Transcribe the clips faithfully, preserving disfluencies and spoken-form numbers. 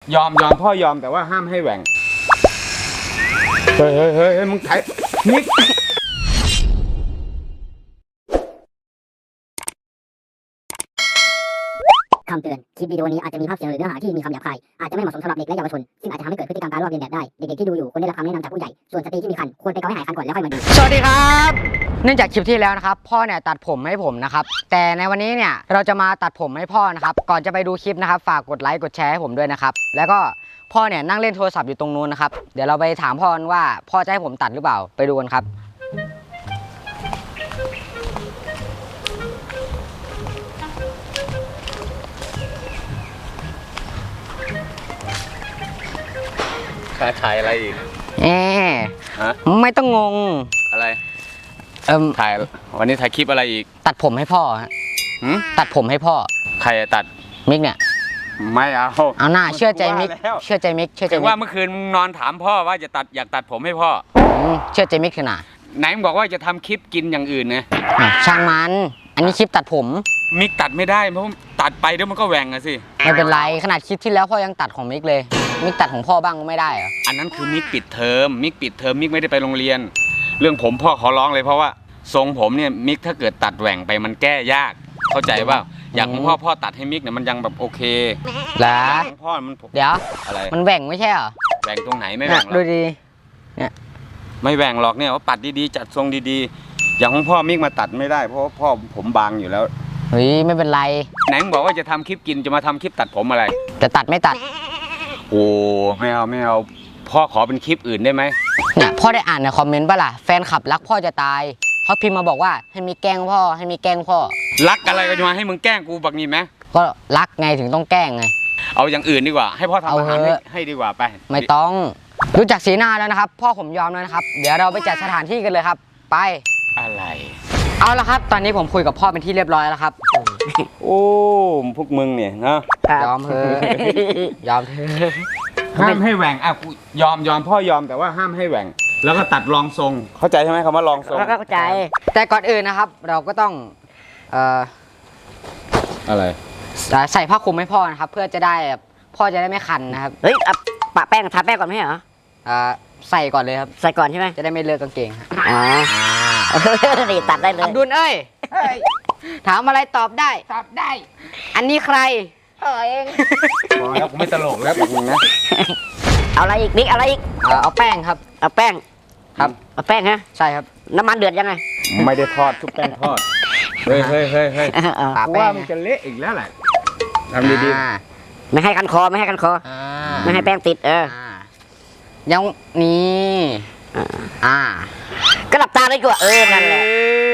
ยอมยอมพ่อยอมแต่ว่าห้ามให้แหว่งเฮ้ยเฮ้ยเฮ้ยมึงถ่ายมิกคำเตือนคลิปวิดีโอนี้อาจจะมีภาพเสียงหรือเนื้อหาที่มีคำหยาบคายอาจจะไม่เหมาะสมสำหรับเด็กและเยาวชนซึ่งอาจจะทำให้เกิดพฤติกรรมการลอกเลียนแบบได้เด็กๆที่ดูอยู่ควรได้รับคำแนะนำจากผู้ใหญ่ส่วนสตรีที่มีครรภ์ควรไปเกาให้หายครรภ์ก่อนแล้วค่อยมาดูสวัสดีครับเนื่องจากคลิปที่แล้วนะครับพ่อเนี่ยตัดผมให้ผมนะครับแต่ในวันนี้เนี่ยเราจะมาตัดผมให้พ่อนะครับก่อนจะไปดูคลิปนะครับฝากกดไลค์กดแชร์ให้ผมด้วยนะครับแล้วก็พ่อเนี่ยนั่งเล่นโทรศัพท์อยู่ตรงนู้นนะครับเดี๋ยวเราไปถามพ่อว่าพ่อจะให้ผมตัดหรือเปล่าไปดูกันครับถ่ายอะไรอีกเอ๊ไม่ต้องงงอะไรเอิ่มถ่ายวันนี้ถ่ายคลิปอะไรอีกตัดผมให้พ่อฮะตัดผมให้พ่อใครตัดมิกเนี่ยไม่เอาเอาหน้าเชื่อใจมิกเชื่อใจมิกเชื่อใจมิกว่าเมื่อคืนมึงนอนถามพ่อว่าจะตัดอยากตัดผมให้พ่อเชื่อใจมิกขนาดไหนมึงบอกว่าจะทำคลิปกินอย่างอื่นไงช่างมันอันนี้คลิปตัดผมมิกตัดไม่ได้เพราะตัดไปเดี๋ยวมันก็แหว่งอะสิไม่เป็นไรขนาดคลิปที่แล้วพ่อยังตัดของมิกเลยมิกตัดของพ่อบ้างก็ไม่ได้เหรออันนั้นคือมิกปิดเทอมมิกปิดเทอมมิกไม่ได้ไปโรงเรียนเรื่องผมพ่อขอร้องเลยเพราะว่าทรงผมเนี่ยมิกถ้าเกิดตัดแหว่งไปมันแก้ยากเข้าใจว่าอยากของพ่อพ่อตัดให้มิกเนี่ยมันยังแบบโอเคแล้วของพ่อมันเดี๋ยวอะไรมันแหว่งไม่ใช่เหรอแหว่งตรงไหนไม่แหว่งหรอกดูดีเนี่ยไม่แหว่งหรอกเนี่ยว่าปัดดีๆจัดทรงดีๆอย่างของพ่อมิกมาตัดไม่ได้เพราะพ่อผมบางอยู่แล้วเฮ้ยไม่เป็นไรไหนมึงบอกว่าจะทำคลิปกินจะมาทำคลิปตัดผมอะไรจะตัดไม่ตัดโอ้ไม่เอาไม่เอาพ่อขอเป็นคลิปอื่นได้ไหมเนี่ยพ่อได้อ่านในคอมเมนต์ป่ะล่ะแฟนคลับรักพ่อจะตายเขาพิมพ์มาบอกว่าให้มีแกล้งพ่อให้มีแกล้งพ่อรักอะไรก็จะมาให้มึงแกล้งกูบักนี่ไหมก็รักไงถึงต้องแกล้งไงเอาอย่างอื่นดีกว่าให้พ่อทำอาหารให้ให้ดีกว่าไปไม่ต้องรู้จักสีหน้าแล้วนะครับพ่อผมยอมแล้วนะครับเดี๋ยวเราไปจัดสถานที่กันเลยครับไปอะไรเอาละครับตอนนี้ผมคุยกับพ่อเป็นที่เรียบร้อยแล้วครับโอ้พวกมึงเนี่ยนะยอมเถอะยอมเถอะห้ามให้แหว่งอ่ะยอมยอมพ่อยอมแต่ว่าห้ามให้แหว่งแล้วก็ตัดรองทรงเข้าใจใช่ไหมคำว่ารองทรงเข้าใจแต่ก่อนอื่นนะครับเราก็ต้องเอ่ออะไรใส่ผ้าคลุมให้พ่อนะครับเพื่อจะได้พ่อจะได้ไม่คันนะครับเฮ้ยปะแป้งทาแป้งก่อนไหมเหรออ่าใส่ก่อนเลยครับใส่ก่อนใช่ไหมจะได้ไม่เลอะกางเกงอ๋อนี่ตัดได้เลยอับดุลเอ้ยถามอะไรตอบได้ตอบได้อันนี้ใครเออเองพอแล้วผมไม่ตลกแล้วแบบนึงนะเอาอะไรอีกนิกอะไรอีกเอาแป้งครับเอาแป้งครับเอาแป้งฮะใช่ครับน้ำมันเดือดยังไงไม่ได้ทอดทุกแป้งทอดเฮ้ยเฮ้ยเฮ้ยเฮ้ยว่ามันจะเละอีกแล้วแหละทำดีๆไม่ให้กันคอไม่ให้กันคอไม่ให้แป้งติดเออยังนี่อ่าก็หลับตาเลยกว่าเออนั่นแหละ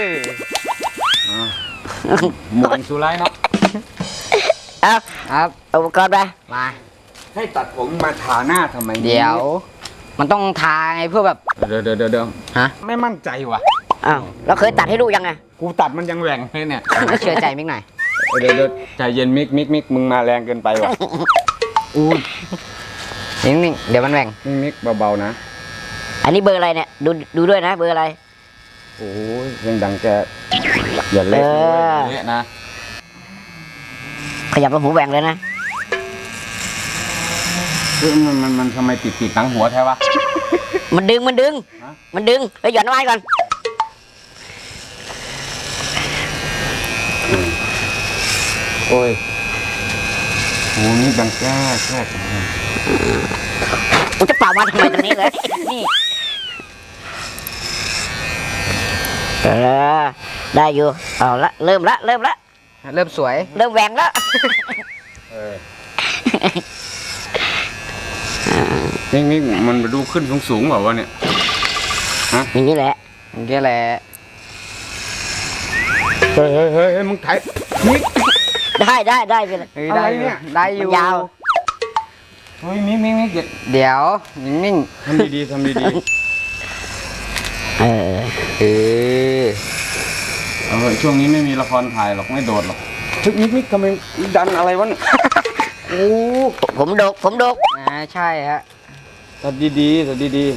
หมุนสุไลเนาะเอาครับอุปกรณ์ไปมาให้ตัดผมมาทาหน้าทำไมเดี๋ยวมันต้องทาไงเพื่อแบบเดี๋ยวเดี๋ยวเดี๋ยวฮะไม่มั่นใจว่ะอ้าวเราเคยตัดให้ดูยังไงกูตัดมันยังแหว่งเลยเนี่ยเชื่อใจมิกหน่อยเดี๋ยวเดี๋ยวใจเย็นมิกมิกมิกมึงมาแรงเกินไปว่ะอู้นิ่งๆเดี๋ยวมันแหว่งมิกมิกเบาๆนะอันนี้เบอร์อะไรเนี่ยดูดูด้วยนะเบอร์อะไรโอ้ยยังดังแกอย่าเละเละนะขยับลงหูแหว่งเลยนะคือมันมันมันทำไมติดติดหนังหัวแท้วะมันดึงมันดึงมันดึงไปหย่อนน้ำไม้ก่อนโอ้ยโหนี่ดังแก้แค่กูจะเป่ามาทำไมตรงนี้เลยนี่เออได้อยู่เอาละเริ่มละเริ่มละเริ่มสวยเริ่มแหว่งแล้วนี่นี่มันดูขึ้นสูงสูงเปล่าวะเนี่ยฮะอย่างนี้แหละอย่างนี้แหละเฮ้ยเฮ้ยเฮ้ยมึงถ่ายมิกได้ได้ได้ไปเลยได้เนี่ยได้อยู่ยาวเฮ้ยมิกมิกมิกเดี๋ยวนิ่งๆทำดีๆทำดีๆเออเออเออช่วงนี้ไม่มีละครถ่ายหรอกไม่โดดหรอกทึกมิกมิกทำไมดันอะไรวะเนี่ยโอ้ผมดกผมดกอ่าใช่ฮะตัดดีๆตัดดี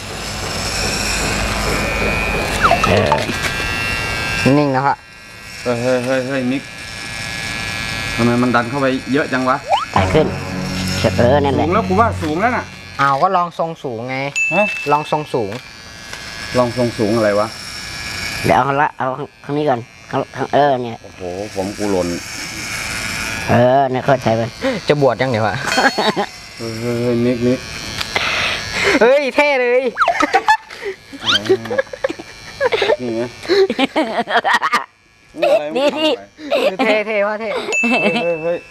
ๆเออนิ่งนะครับเฮ้ยเฮ้ยเฮ้ยมิกทำไมมันดันเข้าไปเยอะจังวะถ่ายขึ้นเออนั่นแหสูละงแล้วกูว่าสูงแล้วน่ะอ้าวก็ลองทรงสูงไงฮะลองทรงสูงลองทรงสูงอะไรวะเดี๋ยวเอาข้างละเอาข้างนี้ก่อนข้างข้างเออเนี่ยโอ้โหผมกูหล่นเออเนี่ยเข้าใจไปจะบวชยังเดี๋ยวอะเฮ้ยเฮ้ยเฮ้ยนิกนิกเฮ้ยเท่เลยนี่ไงนี่นี่เท่เท่ว่าเท่เฮ้ยเฮ้ย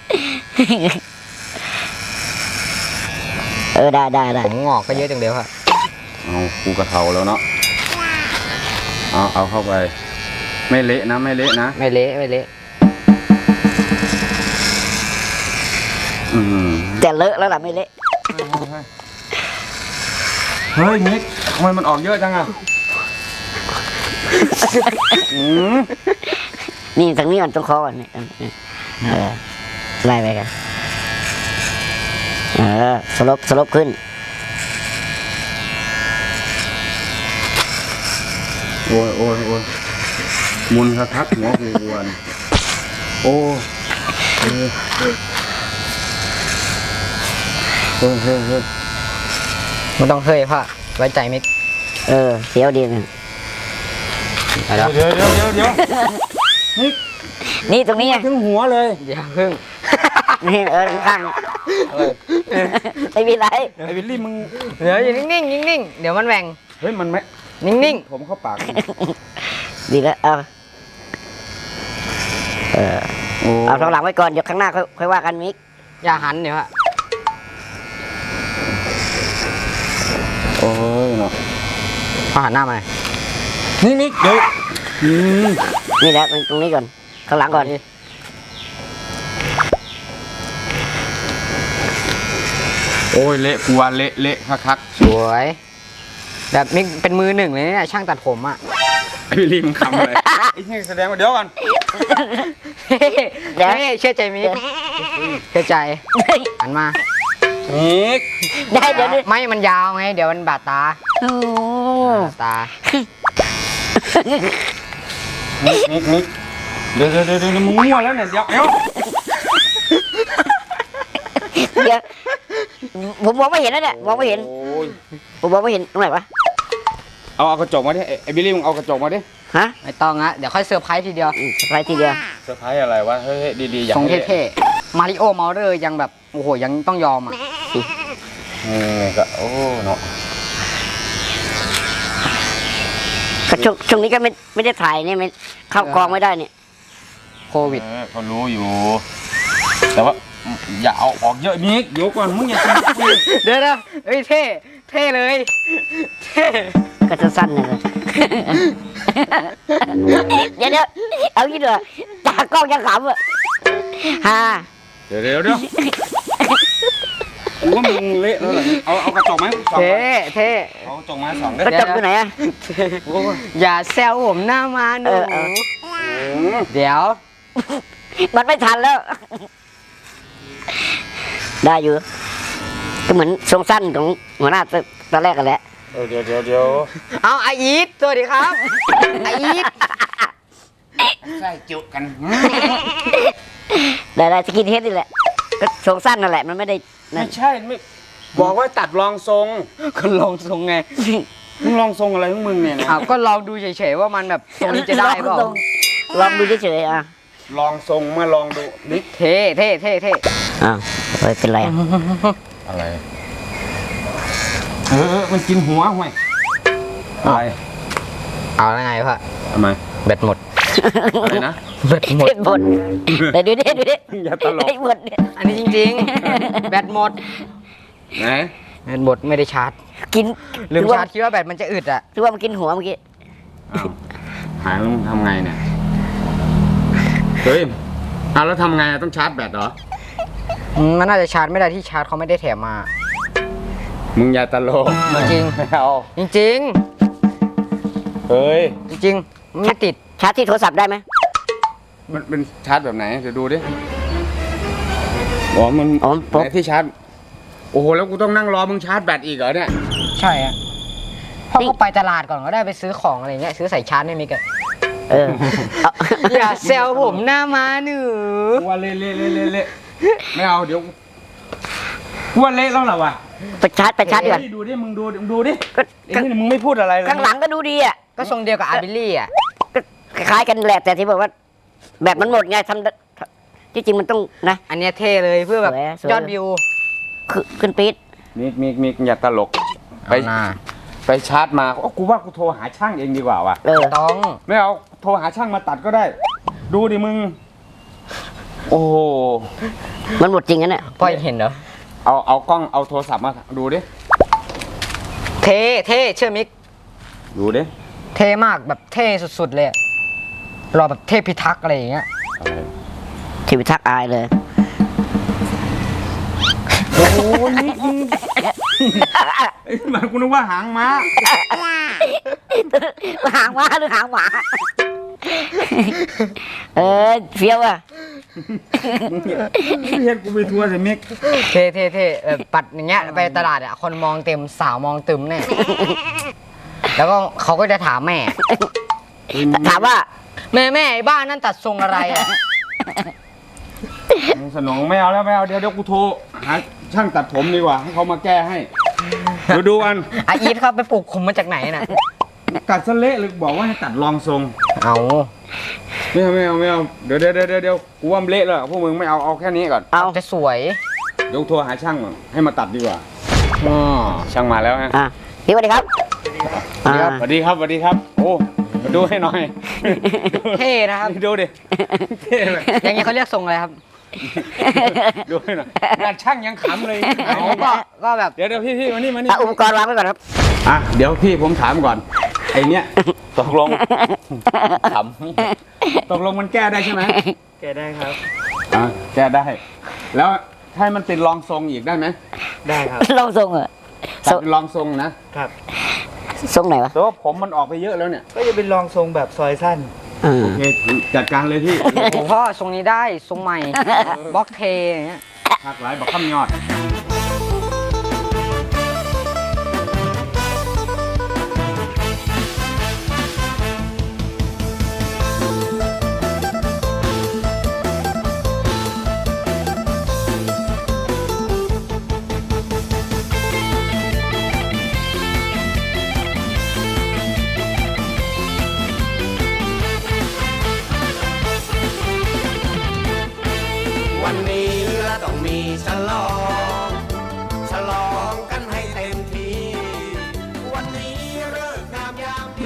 เออได้ได้ได้ผมงอกก็เยอะจังเดียวอะเอากูกระเทาแล้วเนาะเอาเอาเข้าไป ไม่เละนะไม่เละนะไม่เละไม่เละอืมแต่เลอะแล้วล่ะไม่เละเฮ้ยนิกทำไมมันออกเยอะจังอ่ะอืมนี่ทางนี้ก่อนตรงคอก่อนนี่เออไล่ไปกันเออสลบสลบขึ้นโอ้ยโอ้ยโอ้ยมุนคักคักหัวกูกวนโอ้เฮ้ยเฮ้ยเฮ้ยเฮ้ยเฮ้ยมันต้องเฮ้ยพ่อไว้ใจมิกเออเสียวดีนะไปแล้วเดี๋ยวเดี๋ยวเดี๋ยวเดี๋ยวนิกนี่ตรงนี้ไงถึงหัวเลยอย่าพึ่งนี่เออข้างๆไม่มีไรไอ้วิลลี่มึงเดี๋ยวอยู่นิ่งๆนิ่งๆเดี๋ยวมันแหว่งเฮ้ยมันไม่นิ่งผมเข้าปากดีแล้วเอาเออโอ้เอาท้องหลังไว้ก่อนเดี๋ยวข้างหน้าค่อยค่อยว่ากันมิกๆอย่าหันเดี๋ยวอะโอ้ยเนาะพ่อหันหน้ามาหน่อยนี่นิกเดี๋ยวอืมนี่แหละตรงนี้ก่อนข้างหลังก่อนโอ้ยเละกูว่าเละเละคักคักสวยแบบมิกเป็นมือหนึ่งเลยเนี่ยช่างตัดผมอะไอ้วิลลี่มึงคำอะไรไอ้นี่แสดงว่าเดี๋ยวก่อนเฮ้ยเชื่อใจมิกเชื่อใจหันมานิกได้เดี๋ยวนี้ไม่มันยาวไงเดี๋ยวมันบาดตาโอ้บาดตานิกนิกนิกเดี๋ยวเดี๋ยวเดี๋ยวเดี๋ยวมึงมั่วแล้วเนี่ยเดี๋ยวเดี๋ยวเดี๋ยวผมมองไม่เห็นแล้วเนี่ยมองไม่เห็นโอ้ยผมมองไม่เห็นตรงไหนวะเอาเอากระจกมาดิไอ้ไอ้บิลลี่มึงเอากระจกมาดิฮะไม่ต้องอะเดี๋ยวค่อยเซอร์ไพรส์ทีเดียวอืมสไปทีเดียวเซอร์ไพรส์อะไรวะเฮ้ยเฮ้ยดีๆอย่าทรงให้เท่ๆมาริโอเมาเลอร์ยังแบบโอ้โหยังต้องยอมอะเออก็โอ้เนาะก็ช่วงช่วงนี้ก็ไม่ไม่ได้ถ่ายเนี่ยไม่เข้ากองไม่ได้เนี่ยโควิดเออเขารู้อยู่ แต่ว่าอย่าเอาออกเยอะนิกเดี๋ยวก่อนมึงอย่าทำกูเดี๋ยวนะเอ้ยเท่เท่เลยเท่ก็สั้นๆเลย เดี๋ยวเดี๋ยวเอางี้เถอะจากกล้องยังขำอ่ะฮ่าเดี๋ยวเดี๋ยวเดี๋ยวกูว่ามึงเละแล้วเหรอเอาเอากระจกไหมสองเท่เท่เอากระจกมาสองได้ก็จับอยู่ไหนอ่ะโอ้ยอย่าแซวผมหน้ามาหนูเออเออเดี๋ยวมันไม่ทันแล้ว ได้อยู่ก็เหมือนทรงสั้นของหัวหน้าตอนแรกกันแหละเออเดี๋ยวเดี๋ยวเดี๋ยวเอาไออีทสวัสดีครับไออีทใส่จุกันได้ได้สกินเฮดนี่แหละก็ทรงสั้นนั่นแหละมันไม่ได้นั่ไม่นใช่ไม่บอกว่าตัดรองทรงก็ลองทรงไงมึงลองทรงอะไรของมึงเนี่ยนะอ้าวก็ลองดูเฉยๆว่ามันแบบตรงนี้จะได้เปล่าลองลองดูเฉยๆอ่ะลองทรงมาลองดูนิกเท่เท่เท่เท่อ้าวเฮ้ยเป็นไรอ่ะอะไรเออเออมันกินหัวห่วยอะไรเอาแล้วไงพ่อทำไมแบตหมดอะไรนะแบตหมดเห็นบนเดี๋ยวดูดิดูดิอย่าตลกไอ้บนเนี่ยอันนี้จริงๆ แบตหมดไหนแบตหมดไม่ได้ชาร์จกินลืมถือว่าชาร์จคิดว่าแบตมันจะอึดอ่ะถือว่ามันกินหัวเมื่อกี้อ้าวหายแล้วมึงทำไงเนี่ยเฮ้ยอ้าวแล้วทำไงอะต้องชาร์จแบตเหรอมันน่าจะชาร์จไม่ได้ที่ชาร์จเขาไม่ได้แถมมามึงอย่าตลกจริงไม่เอาจริงเฮ้ยๆจริงๆไม่ติดชาร์จที่โทรศัพท์ได้ไหมมันเป็นชาร์จแบบไหนเดี๋ยวดูดิอ๋อมันอ๋อผมไหนที่ชาร์จโอ้โหแล้วกูต้องนั่งรอมึงชาร์จแบตอีกเหรอเนี่ยใช่อ่ะพ่อก็ไปตลาดก่อนก็ได้ไปซื้อของอะไรเงี้ยซื้อใส่ชาร์จให้มิกอะเออเอาอย่าแซวผมหน้ามาหนูกูว่าเละเละเละเละเละไม่เอาเดี๋ยวกูว่าเละแล้วเหรอวะไปชาร์จไปชาร์จดีกว่าเฮ้ยดูดิมึงดูมึงดูดิก็ไอ้นี่มึงไม่พูดอะไรเลยข้างหลังก็ดูดีอ่ะก็ทรงเดียวกับอาร์บิลลี่อ่ะก็คล้ายๆกันแหละแต่ที่บอกว่า แบบมันหมดไงทำที่จริงมันต้องนะอันเนี้ยเท่เลยเพื่อแบบสวยสวยยอดวิวคือขึ้นปี๊ดมิกมิกมิกอย่าตลกไปเอาหน้าไปชาร์จมาโอ้กูว่ากูโทรหาช่างเองดีกว่าว่ะเออต้องไม่เอาโทรหาช่างมาตัดก็ได้ ดูดิมึง โอ้โหมันหมดจริงนะเนี่ยพ่อยังเห็นเหรอเอาเอากล้องเอาโทรศัพท์มาดูดิเท่เท่เชื่อมิกดูดิเท่มากแบบเท่สุดๆเลยอะรอแบบเทพพิทักษ์อะไรอย่างเงี้ยทีวิทักษ์อายเลยโอ้ยนี่มึงไอ้หมากูนึกว่าหางม้าหางหมาหรือหางหมา เออเฟี้ยวอ่ะเฮ็ดกูไปทัวร์สิมิกเท่เท่เท่แบบปัดอย่างเงี้ยไปตลาดอ่ะคนมองเต็มสาวมองตึมแน่ แล้วก็เขาก็จะถามแม่ถามว่าแม่แม่ไอ้บ้านนั่นตัดทรงอะไรอ่ะสนองไม่เอาแล้วไม่เอาเดี๋ยวเดี๋ยวกูโทรหาช่างตัดผมดีกว่าให้เขามาแก้ให้ดูดูอันอาอีทครับไปปลูกคุมมาจากไหนน่ะตัดซะเละเลยบอกว่าให้ตัดรองทรงเอาไม่เอาไม่เอาไม่เอาเดี๋ยวเดี๋ยวเดี๋ยวเดี๋ยวกูว่ามันเละแล้วพวกมึงไม่เอาเอาแค่นี้ก่อนเอาจะสวยเดี๋ยวโทรหาช่างก่อนให้มาตัดดีกว่าอ๋อช่างมาแล้วฮะอ่ะพี่สวัสดีครับสวัสดีครับสวัสดีครับสวัสดีครับโอ้มาดูให้หน่อยเท่นะครับนี่ดูดิเท่เลยอย่างเงี้ยเขาเรียกทรงอะไรครับดูให้หน่อยงานช่างยังขำเลยเอาก็ก็แบบเดี๋ยวเดี๋ยวพี่พี่มานี่มานี่เอาอุปกรณ์วางไว้ก่อนครับอ่ะเดี๋ยวพี่ผมถามก่อนไอเนี้ยตกลงขำตกลงมันแก้ได้ใช่ไหมแกได้ครับอ่ะแก้ได้ แล้วให้มันเป็นรองทรงอีกได้ไหมได้ครับลองทรงเหรอตัดเป็นรองทรงนะครับทรงไหนวะแต่ว่าผมมันออกไปเยอะแล้วเนี่ยก็จะเป็นรองทรงแบบซอยสั้นอืมโอเคจัดการเลยพี่โอ้พ่อทรงนี้ได้ทรงใหม่บล็อกเทอย่างเงี้ยหักหลายบอกข้ามยอดวันนี้เราต้องมีฉลอง ฉลองกันให้เต็มที่ วันนี้เลิกงามยามดี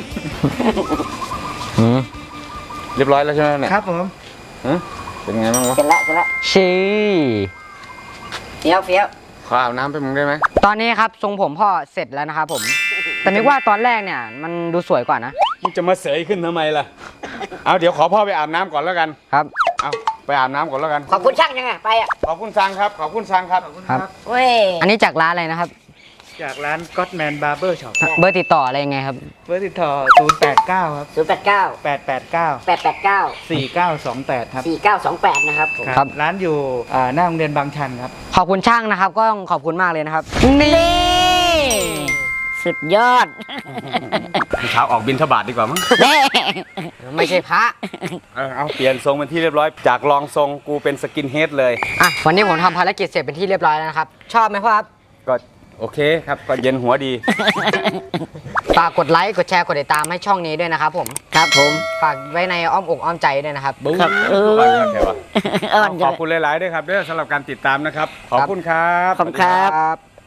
เรียบร้อยแล้วใช่ไหมเนี่ยครับผมฮะเป็นไงบ้างวะเสร็จแล้วเสร็จแล้วชีเฟี้ยวเฟี้ยวขออาบน้ำไปมึงได้ไหมตอนนี้ครับทรงผมพ่อเสร็จแล้วนะครับผม แต่นึกว่าตอนแรกเนี่ยมันดูสวยกว่านะมึงจะมาเสยขึ้นทำไมล่ะ เอาเดี๋ยวขอพ่อไปอาบน้ำก่อนแล้วกันครับเอาไปอาบน้ำก่อนแล้วกันขอบคุณช่างยังไงไปอ่ะขอบคุณซังครับ ขอบคุณซังครับครับเว้ยอันนี้จากร้านอะไรนะครับจากร้าน Godman Barber Shop เบอร์ติดต่ออะไรยังไงครับเบอร์ติดต่อศูนย์ แปด เก้า ครับศูนย์แปดเก้าแปด แปด เก้าแปดแปดเก้าสี่ เก้า สอง แปด ครับสี่เก้าสองแปดนะครับผมครับร้านอยู่อ่าหน้าโรงเรียนบางชันครับขอบคุณช่างนะครับ ก็ต้องขอบคุณมากเลยนะครับ นี่สุดยอดเช้าออกบินทบาทดีกว่ามั้งเด้ไม่ใช่พระเออเอาเปลี่ยนทรงเป็นที่เรียบร้อย จากรองทรงกูเป็นสกินเฮดเลยอ่ะวันนี้ผมทำภารกิจเสร็จเป็นที่เรียบร้อยแล้วนะครับ ชอบไหมพ่อครับก็โอเคครับ ก็เย็นหัวดีฝากกดไลค์กดแชร์กดติดตามให้ช่องนี้ด้วยนะครับผมครับผมฝากไว้ในอ้อมอกอ้อมใจด้วยนะครับครับเออบ้านครับแค่ว่าเออขอบคุณหลาย ๆ ด้วยครับเด้อสำหรับการติดตามนะครับ ขอบคุณครับขอบคุณครับ